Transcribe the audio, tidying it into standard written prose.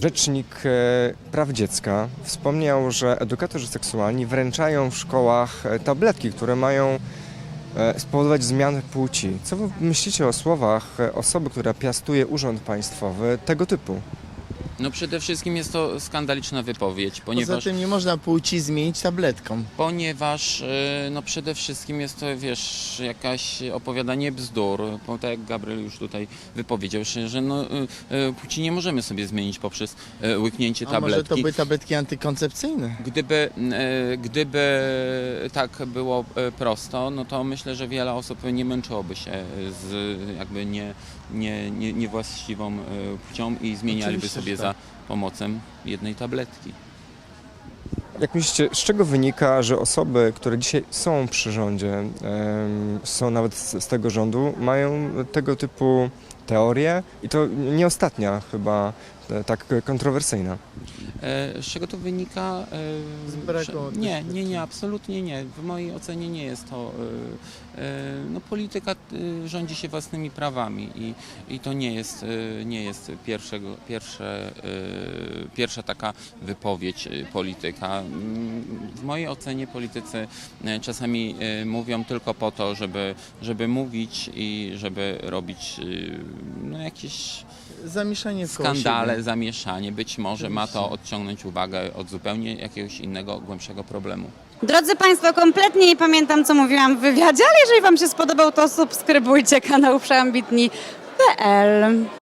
Rzecznik praw dziecka wspomniał, że edukatorzy seksualni wręczają w szkołach tabletki, które mają spowodować zmianę płci. Co wy myślicie o słowach osoby, która piastuje urząd państwowy tego typu? No przede wszystkim jest to skandaliczna wypowiedź, Poza ponieważ, tym nie można płci zmienić tabletką. no przede wszystkim jest to, wiesz, jakaś opowiadanie bzdur, bo tak jak Gabriel już tutaj wypowiedział, że no, płci nie możemy sobie zmienić poprzez łyknięcie A może to tabletki. były tabletki antykoncepcyjne? Gdyby tak było prosto, no to myślę, że wiele osób nie męczyłoby się z jakby niewłaściwą płcią i zmienialiby Oczywiście, sobie że za pomocą jednej tabletki. Jak myślicie, z czego wynika, że osoby, które dzisiaj są przy rządzie, są nawet z tego rządu, mają tego typu teorie i to nie ostatnia chyba tak kontrowersyjna? Z czego to wynika? Z braku Nie, absolutnie nie. W mojej ocenie nie jest to. No, polityka rządzi się własnymi prawami i to nie jest pierwsza taka wypowiedź polityka. W mojej ocenie politycy czasami mówią tylko po to, żeby mówić i żeby robić no, jakieś Zamieszanie koło skandale, siebie. zamieszanie. Być może ma to Oczywiście. odciągnąć uwagę od zupełnie jakiegoś innego, głębszego problemu. Drodzy Państwo, kompletnie nie pamiętam, co mówiłam w wywiadzie, ale jeżeli Wam się spodobał, to subskrybujcie kanał przeambitni.pl.